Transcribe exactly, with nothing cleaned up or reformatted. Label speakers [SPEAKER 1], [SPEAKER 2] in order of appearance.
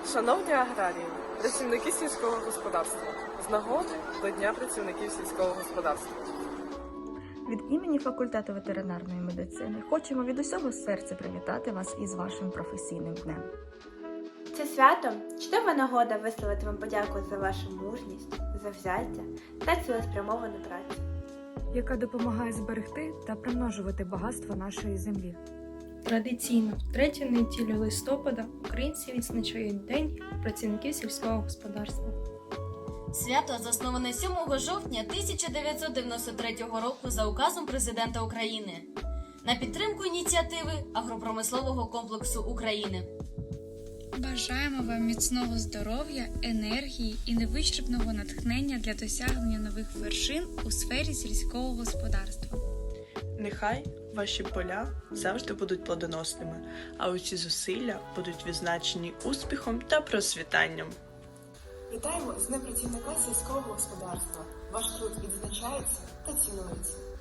[SPEAKER 1] Шановні аграрії, працівники сільського господарства, з нагоди до Дня працівників сільського господарства.
[SPEAKER 2] Від імені факультету ветеринарної медицини хочемо від усього серця привітати вас із вашим професійним днем.
[SPEAKER 3] Це свято – чудова нагода висловити вам подяку за вашу мужність, завзяття та цілеспрямовану працю,
[SPEAKER 4] яка допомагає зберегти та примножувати багатство нашої землі.
[SPEAKER 5] Традиційно, в третю неділю листопада українці відзначають День працівників сільського господарства.
[SPEAKER 6] Свято засноване сьомого жовтня тисяча дев'ятсот дев'яносто третього року за указом Президента України на підтримку ініціативи агропромислового комплексу України.
[SPEAKER 7] Бажаємо вам міцного здоров'я, енергії і невичерпного натхнення для досягнення нових вершин у сфері сільського господарства.
[SPEAKER 8] Нехай ваші поля завжди будуть плодоносними, а усі зусилля будуть відзначені успіхом та процвітанням.
[SPEAKER 9] Вітаємо з Днем працівника сільського господарства. Ваш труд відзначається та цінується.